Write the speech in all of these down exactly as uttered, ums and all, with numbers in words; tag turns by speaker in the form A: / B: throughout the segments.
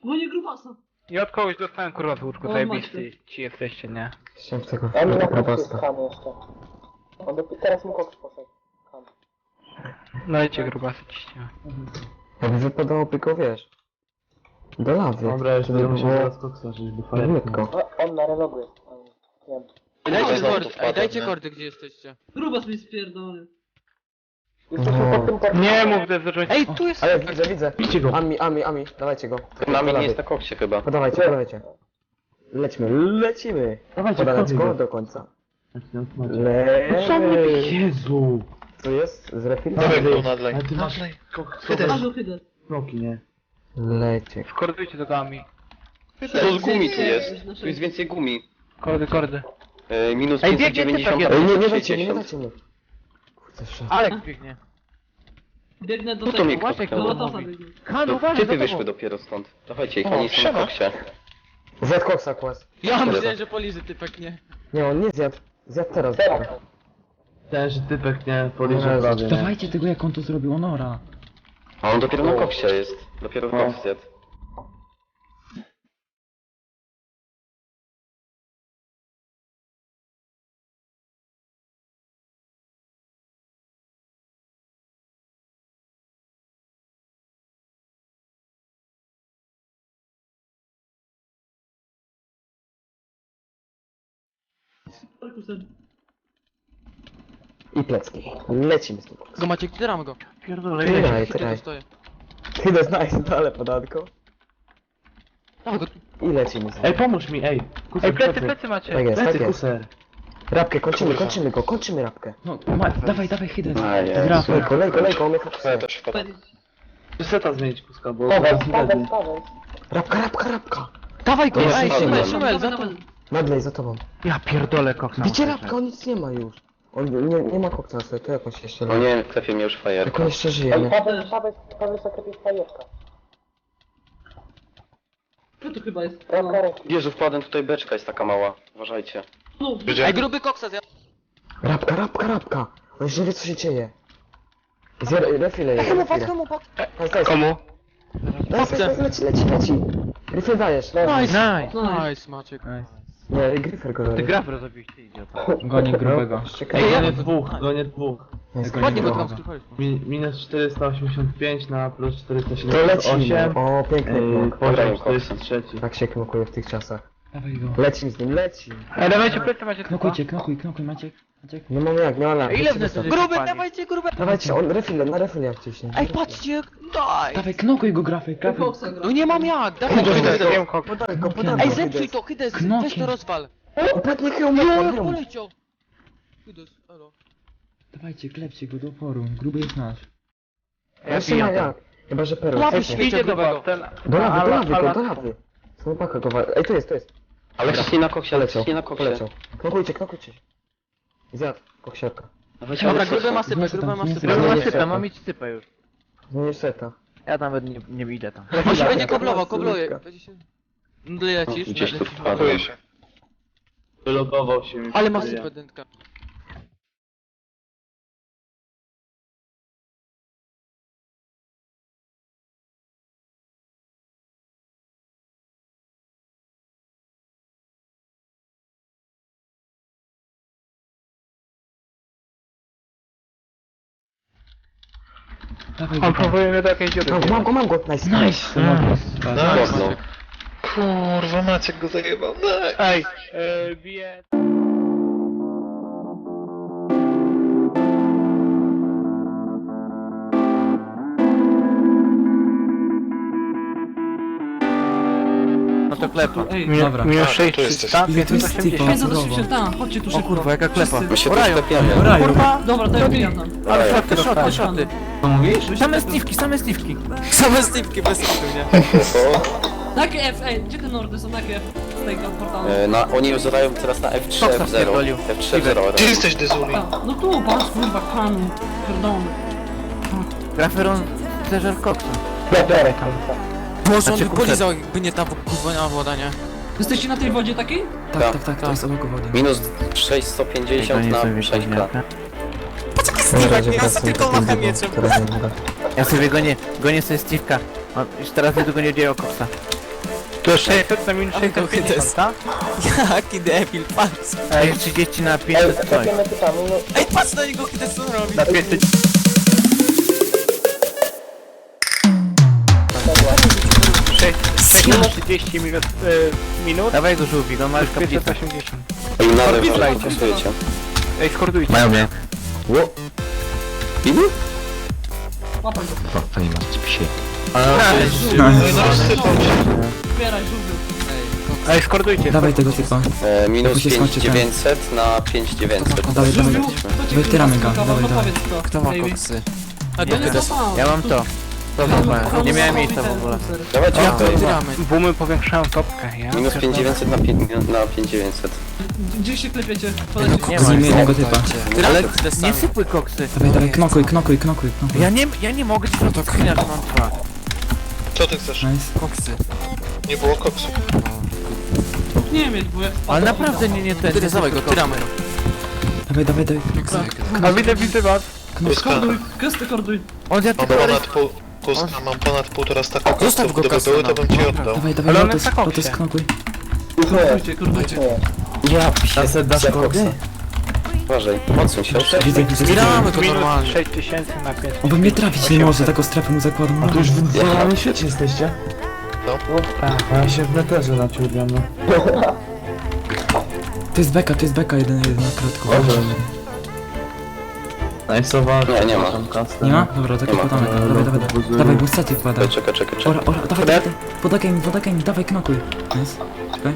A: Gonię grubasa.
B: I od kogoś dostałem kurwa z łóżku,
A: O,
B: zajebisty ci jesteście, nie?
C: Chciałem tego
D: Ja mi na
C: tego
D: koksie jest
C: grubasa.
D: ham jeszcze. On do... Teraz mu koks poszedł. Ham.
B: No idźcie grubasy ciśnie.
C: Jakby wypadałoby go, wiesz, do lawy.
E: Dobra, jeszcze
C: żeby
E: musimy
C: było
E: teraz koksa, żeby fajnie.
C: równiutko.
D: O, on na relogu jest. On... Wiem.
F: Dajcie
G: No,
F: kordy,
G: to
F: ej, dajcie
G: nie?
F: kordy, gdzie jesteście.
A: Grubas mi spierdolony.
D: Jesteśmy
C: No.
D: pod tym portalem.
B: Nie mów, że zacząć...
F: Ej, tu jest...
C: Ale widzę, widzę.
E: Idźcie go.
C: Ami, ami, ami, dawajcie go.
G: Nami
C: Do
G: nie
C: lawy.
G: jest na koksie chyba.
C: Podawajcie, podawajcie. Lecimy, lecimy.
E: Dawajcie,
C: Podalać
E: wchodź
C: go
E: go.
C: do końca.
E: Co mnie
C: Lecimy.
E: Jezu!
C: Co jest? Z refil?
G: Dawaj go nadlej.
E: Ale ty masz
G: Nadlej.
E: koksowe
A: Ażu, hydę.
E: smoki, nie?
C: Lecie.
B: Skordujcie do gami.
G: To z gumi tu
A: Nie,
G: jest.
A: na
G: Tu jest więcej gumi.
B: Kordy, kordy.
G: Yy, minus
B: Ej,
G: pięćset
B: biegnie
G: dziewięćdziesiąt,
B: typek
C: Ej, nie, nie
G: pięćset
C: dajcie, nie
G: sześćdziesiąt.
C: dajcie mi. Kurde, szef.
B: Alek biegnie.
A: Biegnę do
G: No to
A: tego.
G: mnie kto
B: Łasiek
A: Do
G: tknął.
A: Lotosa
B: mówi.
A: biegnę.
B: Kanu,
G: To
B: uważaj,
G: Typy
B: za tobą.
G: wyszły dopiero stąd. Dawajcie ich,
B: O,
G: oni są na
B: siema.
G: koksie.
C: Zjadł koksa, kłas.
F: Ja myślałem, że polizy typek, nie.
C: Nie, on nie zjadł. Zjadł teraz.
D: Teraz.
E: Ten, że typek nie poliże
C: Jezu.
E: prawie, nie?
H: Dawajcie tego, jak on to zrobił, Onora.
G: A on dopiero na koksie jest. Dopiero w
E: No.
G: koks zjadł.
A: Perkusem.
C: I plecki. Lecimy z tym koksem.
F: Go macie, tyramy go.
B: Pierdolę,
C: Tyraj,
B: ile
F: Gdzie
C: tyraj.
F: to stoję?
C: Ty to znajdziesz dole podatko.
F: Dawaj go.
C: I lecimy z nim.
E: Ej, pomóż mi, ej! Kuser,
B: Ej, plecy, plecy macie.
C: Tak jest, tak
E: Plecy,
C: jest.
E: kuser!
C: Rabkę, kończymy, kończymy go, kończymy rabkę.
H: No, ma, dawaj, dawaj, Hydes.
G: A, jest.
H: Grafy.
C: Lejko, lejko, lejko, on mnie
G: Ja
C: fokusuje.
G: też wpadam.
E: Seta zmienić kuska, bo
D: Paweł,
E: teraz nie
D: Paweł,
E: będzie.
D: Paweł.
C: Rabka, rabka, rabka.
F: Dawaj go,
G: Jest,
F: ej,
G: spadłem.
F: Szumel, Szumel, za
A: Dawaj,
F: to.
A: dawaj.
C: Nadlej za tobą.
B: Ja pierdolę koksa.
C: Bicie
B: muszę
C: rabka, on nic nie ma już. On nie, nie ma koksa na sobie, to jak on się jeszcze
G: No
C: leje.
G: nie, klepie mnie już
C: Jak
G: fajerka.
C: on jeszcze żyje,
D: Ej,
C: nie?
D: Paweł, Paweł, Paweł sobie fajeczka.
A: Co to chyba jest?
D: Ręka, ręki.
G: Jezu, wpadłem, tutaj beczka jest taka mała. Uważajcie.
A: No,
F: Ej, gruby koksa zjadł.
C: Rabka, rabka, rabka. On jeszcze nie wie co się dzieje. Zjada, refile jest,
F: Komu, patrz,
C: refile.
F: komu, patrz.
C: Nice, nice.
B: Komu?
C: Nice, nice, leci, leci, leci. Gryfel dajesz.
F: Nice,
B: Nice.
F: nice, Maciek.
C: Nie, Gryfel go
B: Ty
C: zabił.
B: graf rozobiliście, idiota.
H: Goni grubego.
C: Czekaj.
E: Ej,
F: ja-
E: gonię dwóch, gonię dwóch.
C: Jest
F: Ładnie go
C: go.
F: tam sklepaliśmy.
E: Mi, minus czterysta osiemdziesiąt pięć na plus czterysta
C: To
E: siedemdziesiąt
C: lecimy.
E: osiem.
C: O, piękny
E: Yy,
C: knok.
E: poziom czterdzieści trzy.
C: Tak się knokuje w tych czasach.
H: Dawaj go.
C: Lecim z nim, leci.
B: Ej, dawajcie plecy macie tylko.
H: Knokujcie, knokuj, knokuj, Maciek. Maciek.
C: Nie mam jak, no ale...
B: Ile w nas
F: Gruby, dawajcie, gruby.
C: Dawajcie, on refile, na refile jak wciśnie.
F: Ej, patrzcie, daj.
H: Dawaj, knokuj go, grafy, grafy.
A: koksa gra.
F: No nie mam jak, dawaj go.
C: Hydes,
B: Wiem koksa.
C: podaj go, podaj
H: Knokiem.
C: go.
F: Ej, zepsuj to, Hydes,
H: Knokiem.
F: weź to rozwal.
C: Upadnie hełm,
F: Jo,
C: hełm.
F: poleciał. Hydes, elo.
H: Dawajcie, klepcie go do oporu. Gruby jest nasz.
B: Ja
C: Jeszcze ma
B: pijam.
C: jak. Chyba, że perły.
F: Łapy
C: Cofnie.
F: świeci.
B: Idzie do was, ten...
C: Do lawy, do
B: Ala-
C: lawy,
B: ala-
C: go, do lawy. Snowbacka go wa... Ej, tu jest, tu jest.
G: Ale ciśnij na koksie, ale
C: Poleciał,
G: ciśnij na koksie.
C: poleciał. Knokujcie, knokujcie. Zjadł, koksiarka.
G: Dawajcie,
F: Dobra,
G: ale
F: gruby
G: koksa.
F: ma sypę, gruby ma sypę.
B: Gruby ma
C: Nie,
B: sypę,
C: nie,
B: mam
C: nie.
B: mieć sypę już.
C: Zmienisz seta.
B: Ja nawet nie, nie idę tam.
F: On się będzie koblował, kobluje. Będzie się... No, lecisz,
G: Gdzieś tu
F: lecisz.
G: wpadłem.
E: Wylogował się mi.
F: Ale ma sypę, dętka.
H: Dawaj go.
B: On próbuje mnie do jakiejś dziury.
C: Mam, mam go, mam go. Nice.
H: Nice.
G: Mocno. Kurwa, Maciek go zajebał.
B: Ej, e, bije... No to klepa.
A: Ej,
B: Minus,
H: dobra.
B: minus
G: A,
B: sześć,
G: tu jesteś.
B: tam
H: Ile to jest
B: pięćset osiemdziesiąt.
H: typa?
A: pięćset osiemdziesiąt, tam, chodźcie tu
B: O
A: szybko.
B: kurwa, jaka klepa.
G: My się tu
B: Orają.
G: sklepiamy.
H: Raju.
B: Kurwa!
A: Dobra, to ja wbijam tam.
B: Ale
G: Ej.
B: szoty, szoty, szoty.
H: Co mówisz? Same Steve'ki, same Steve'ki.
F: Same stipki bez kitu, nie?
A: Jakie F, ej, gdzie te nordy są, jakie F z tego portalu?
G: E, na, oni już zadają teraz na F trzy,
B: Koksa
G: F zero.
B: spierdolił.
G: F trzy, F zero.
B: Gdzie
G: jesteś, Dezuli?
A: A, no tu, patrz, kurwa, kanu, pierdolony.
B: Graferon Pleasure Coxa.
F: Może on
B: Znaczy,
F: by polizał, jakby nie ta kurwa woda, nie?
A: Jesteście na tej wodzie takiej?
H: Tak, tak, tak, to jest obok wody.
G: Minus sześćset pięćdziesiąt na Przejka.
C: Ja tylko macham mieczem.
B: Ja sobie gonię, gonię sobie Steve'ka. On już teraz niedługo nie dzieje o Coxa. To sześćset na minus
F: Ale to
B: sześćset pięćdziesiąt, tak?
F: Jaki debil, patrz.
B: Ej, trzydzieści na
D: Ej,
B: pięćset coś.
D: klepiemy typami, no.
F: Ej, patrz na niego, kiedy co on robi.
B: Na pięćset. sześćset trzydzieści minut, e, minut. Dawaj go żółwik, on ma już pięćset osiemdziesiąt.
G: Ej, nadal
B: Orbit
G: ważne
B: lajcie.
G: głosujecie.
B: Ej, skordujcie.
C: Mają mnie. Ło.
G: Ilu?
A: Łapaj go.
C: O, to nie ma psie.
A: Zbieraj żółwy.
B: Ej, skordujcie.
H: Dawaj tego typa.
G: E, minus
H: Jak się
G: pięć
H: skończy ten-
G: dziewięćset na pięć dziewięćset.
H: Dawaj, dawaj.
A: Żółwiu, kto ci
H: Wytyramy
A: kurwa
H: go,
A: skakał?
H: dawaj,
A: No
H: dawaj.
A: powiedz to.
F: Kto ma
A: Baby.
F: koksy?
A: Ja nie zapałem.
B: Ja mam to. To
A: Komu-
B: nie miałem
A: komu
B: miejsca w
A: ten
B: ogóle.
A: ser?
G: Dawajcie
B: Ja
G: tutaj.
F: Tyramy.
B: Boomy powiększają topkę, ja.
G: Minus pięć dziewięćset na pięć na pięć dziewięćset.
A: Gdzie się klepiecie?
B: Nie
A: Podajcie.
B: ma.
H: Znijmy jednego typa.
B: Ale
F: Tyramy.
B: nie sypuj koksy.
H: Dawaj, dawaj, knokuj, knokuj, knokuj, knokuj.
B: Ja nie, ja nie mogę ci no to chwilę, że mam dwa.
I: Co ty chcesz?
H: Nice.
F: Koksy.
I: Nie było koksu.
A: Nie mieć, bo jak
B: Ale naprawdę nie, nie ten.
F: Tyry, dawaj go, tyramy.
H: Dawaj, dawaj, dawaj.
B: A widzę, widzę was.
I: Kuska,
A: Korduj, gesty korduj.
B: On zjadł
I: mam
B: tylko
I: ponad pół... Kuska, mam ponad półtora staka
F: Zostaw
I: koksów.
F: go,
I: Gdyby
F: Kasa,
I: były,
F: no.
I: to bym ci oddał.
H: Dawaj, dawaj,
B: Ale on
H: lotos,
B: jest na koksie.
H: lotos, knokuj.
A: Kordujcie, kordujcie.
G: Ja psie, dasz koksa. Uważaj, odsuń się.
H: Widzę, widzę.
F: Tyramy go
B: minus
F: normalnie.
B: sześć tysięcy na pięć.
H: On by mnie trafić nie może, taką strefę mu zakładam.
E: To już w normalnym świecie jesteście?
I: No.
E: A ja się w neterze naciągam, no.
H: To jest beka, to jest beka, jeden, jeden na krótko.
E: Najsowa.
G: Nie, nie ma.
H: Nie ma? Dobra, tak
G: Nie ma.
H: podamy. Dawaj, dawaj, dawaj. Dawaj, busety wkładaj.
G: Czekaj, czekaj, czekaj.
H: Ora, ora, dawaj, dawaj. Podakaj mi, podakaj mi, dawaj, knokuj. Nice. Czekaj.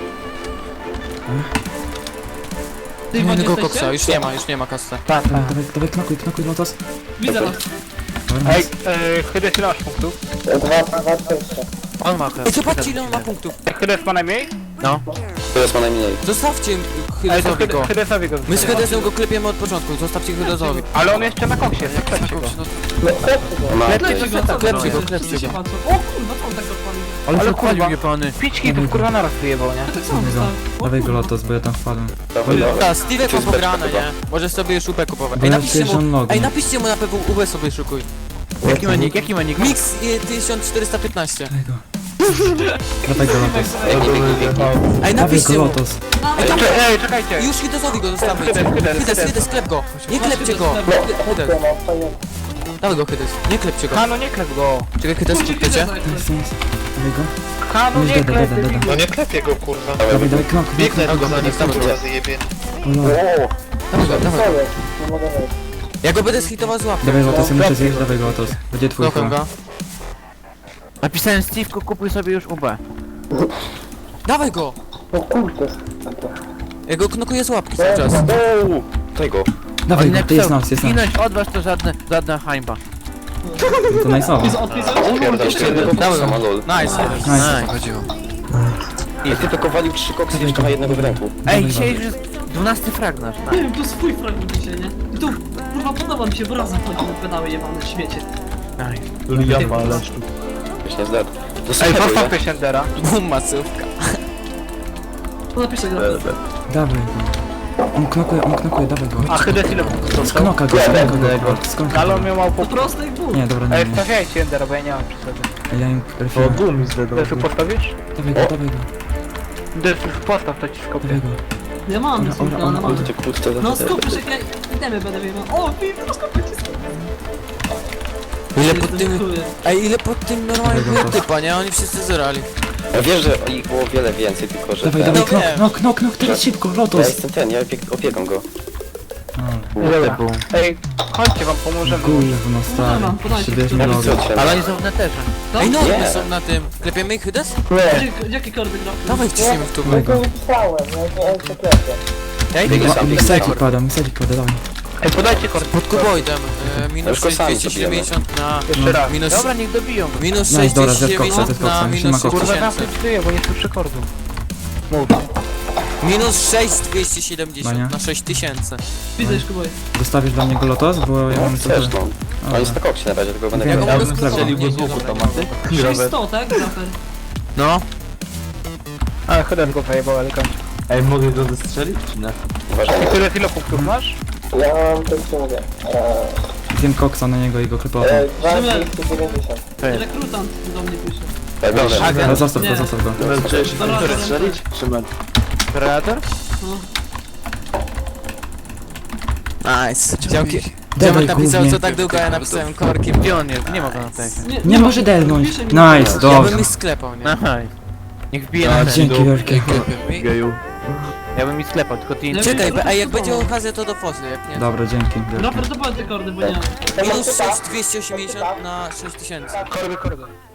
A: Ty
F: Nie
A: wodzie
F: tego
A: jesteście?
F: koksa, już nie ma, już nie ma kasy.
H: Dawaj, dawaj, dawaj, knokuj, knokuj, lotos.
A: Widzę was.
H: Dobra,
B: Ej,
H: nice.
B: e, Hydes ile masz punktów?
D: Dwa, dwa, dwadzieścia.
B: On ma chyba.
F: Ej, zobaczcie ile on ma punktów.
B: Hydes ma najmniej? No.
G: Teraz ma najmniej.
F: Zostawcie
B: Ej, to
F: Hydesowi go.
B: Hydesowi go
F: My z
B: zostawiamy.
F: Hydesem go klepiemy od początku, zostawcie Hydesowi.
B: Ale on jeszcze na koksie, jest, klepcie go.
A: No,
G: Ma
A: Klepcie go, co
F: Klepcie go,
A: robicie?
F: klepcie
A: Wszyscy się
F: go.
A: patrzą. O kurwa, co on tak odpalił?
B: Ale
H: Ale
B: kurwa,
H: kurwa.
B: nie pany. Pięć hitów kurwa naraz wyjebał, nie?
A: To co on
H: Dawaj go.
A: dostał? O
H: Dawaj go
A: kurwa.
H: lotos, bo ja tam wpadłem.
G: Dawaj, dawaj.
F: Tak, Steve
G: To
F: ma
G: jest
F: pograne,
G: beczka
F: nie? Możesz sobie szupę kupować.
H: Bo
F: Ej,
H: ja
F: napiszcie
H: przecież on
F: mu,
H: login.
F: ej, napiszcie mu na P W U sobie szukuj.
B: Jaki ma nick, jaki ma nick?
F: Mix y, tysiąc czterysta piętnaście.
H: Dawaj go. Dawaj go lotos.
F: Ej,
H: Dawaj
F: napiszcie
H: go
F: mu.
H: lotos.
F: Ej, tam,
B: Ej, czekajcie.
F: już Hydesowi go zostawmy.
B: Hydes, Hydes,
F: Hydes,
B: Hydes.
F: Hydes, klep go. Nie klepcie go. Hydes, dawaj go Hydes, nie klepcie go.
B: Hano, nie klep go.
F: Czekaj, Hydes,
A: Kurczę,
F: klepiecie?
A: kiedy
H: Nice, nice. Dawaj go.
B: Hano,
H: Już
B: nie
H: deda,
B: klep.
H: deda, deda.
I: No nie klepię go, kurwa.
H: Dawaj, dawaj, knokuj,
I: Biegnę
H: knokuj.
I: go za nim,
F: dawaj,
I: kurwa, zjebie.
H: O, lol.
F: Dawaj go, dawaj
D: Co
F: go.
D: jest? Nie mogę wejść.
F: Ja go będę zhitował z łapki.
H: Dawaj lotos, ja muszę zjeść, dawaj go lotos. Będzie twój
F: Kocham
H: chyba.
F: go.
B: Napisałem Steve'ku, kupuj sobie już U B.
F: Dawaj go!
D: No kurczę.
F: Ja go knokuję z łapki cały czas.
G: Uuu, daj go.
H: Dawaj
B: On
H: go, to jest
B: napisał,
H: nas, jest nas.
B: Zginąć od was to żadne, żadna hańba.
H: To najsowa.
G: Pierdol, jeszcze jednego
F: Dawaj
G: koksa ma
F: go.
G: lol.
F: Nice.
H: Nice.
G: I ty tylko walił trzy koksy, jeszcze ma jednego w ręku.
B: Ej,
H: Dawaj
B: dzisiaj już jest dwunasty frag nasz.
A: Nie wiem, to swój fragment dzisiaj, nie? I tu, kurwa, podoba mi się, bo razem chodzimy pedały jebane, śmiecie.
E: Ja palę sztuk.
G: Już nie zdadł.
B: Ej,
G: Dostaję,
B: postawkę Shendera.
F: Bum, masówka.
A: To napiszę go.
H: Dawaj go. On knokuje, on knokuje, dawaj go.
B: A Hydes ile punktów dostał?
H: Sknoka go, sknoka go. Sknoka
B: Ale on
H: go.
B: miał mało
A: To
B: punktów.
A: proste jak ból.
H: Nie, dobra, nie,
B: Ej,
H: nie.
B: stawiajcie Shendera, bo ja nie mam przy sobie.
H: Ja im
E: O,
H: refiłem.
E: dum mi zdedał.
B: Desu postawisz?
H: Dawaj go, dawaj go.
B: Desu, postaw, to ci skopię.
H: Dawaj go.
A: Nie mam nic,
H: Ora, ora,
A: ale mam.
H: ora.
G: Ty kurczę,
A: No skupisz jak ja itemy będę wiedział. O, ty, rozkopię ci sobie.
F: Ile pod tym... Ej, ile pod tym normalnie
H: Dawaj go,
F: było typa, nie? Oni wszyscy zerali.
G: Ja wiesz, że ich było wiele więcej, tylko że
H: Dawaj,
G: ten...
H: dawaj,
F: No
H: knok,
F: wiem.
H: knok, knok, knok, teraz szybko,
G: Ja
H: lotos.
G: jestem ten, ja opiek opiekam go.
B: Dobra. Ej, chodźcie, wam pomożemy.
H: Gówno stary.
A: Dobra, podajcie.
H: Przybierzmy
G: Ja
H: logo.
G: widzę cię.
B: Ale oni są w neterze.
A: No,
F: Ej, no,
G: Nie.
F: one są na tym. Klepiemy ich Hydes?
A: Gdzie- Jakie kordy gra?
F: Dawaj, wciśnijmy w tu.
H: Dawaj
D: Ja
H: go.
D: nie pisałem, ja nie jeszcze klepię.
B: Ja idę
G: Biegnie
B: go.
G: sam, biegnie
H: Miksaki
G: sam.
H: kładę, miksaki kładę, dawaj.
B: Ej, podajcie kord.
F: Pod kuboidem. E, minus
G: już go
F: sześć
G: sami
F: dwieście siedemdziesiąt na...
B: Jeszcze raz.
F: Minus-
B: Dobra, niech dobiją go.
F: Minus
H: Nice,
F: sześć
H: dobra,
F: dwieście
H: zjadł koksa,
F: dziewięćdziesiąt
H: zjadł
F: na
H: koksa,
F: minus
H: nie ma
F: sześć
H: koksa.
B: Kurwa,
F: tysięcy.
B: zamknąć tyję, bo nie słyszę kordu. Mów.
F: Minus sześć dwieście
H: Bania.
F: siedemdziesiąt na sześć tysięcy.
A: Widzę już kubuję.
H: Zostawisz dla niego lotos, bo ja
G: No,
H: mam
G: chcesz,
H: super.
G: no. On jest na koksie na razie, tylko będę
H: Ja
F: Ja go
H: bym
F: mogę
H: strzelił
F: strzelił
H: go
F: go
H: z
F: z łuku, to ma ty?
A: sześćset, tak? Zafer.
F: No.
B: Ale Hydes go zajebał elegancko.
E: Ej, mogę go zestrzelić, czy nie?
G: Uważaj.
B: I tyle, ile punktów masz?
D: Ja mam to co mówię. Eee,
H: Zjem koksa na niego i go klepał.
D: e, dwa
A: Szymon.
D: dwieście dziewięćdziesiąt.
A: Rekrutant do mnie pisze.
G: Tak, dobrze.
H: No, zostaw
A: Nie.
H: to, zostaw to.
A: Dobra,
B: Który
A: dobra.
B: strzelić? Predator?
F: Nice. Działki.
H: Dawaj,
F: Dziomek napisał,
H: głównie.
F: co tak długo, ja napisałem korkiem.
B: Gdzie on jest? Nie ma go na tekście.
H: Nie może delnąć.
A: Pisze mi-
H: Nice,
F: Ja
H: dobrze.
F: bym ich sklepał, nie?
B: Aha. Niech wbije na ten.
H: Dzięki wielkie.
E: Geju.
B: Ja bym mi sklepał, tylko ty nie...
A: Nie.
F: Czekaj, a jak będzie okazja, to do fosy, jak nie?
H: Dobra, dzięki. wielkie.
A: Raper, to powiedz te kordy, bo nie mam.
F: Minus sześć dwieście osiemdziesiąt na sześć tysięcy.
B: Korby, korby.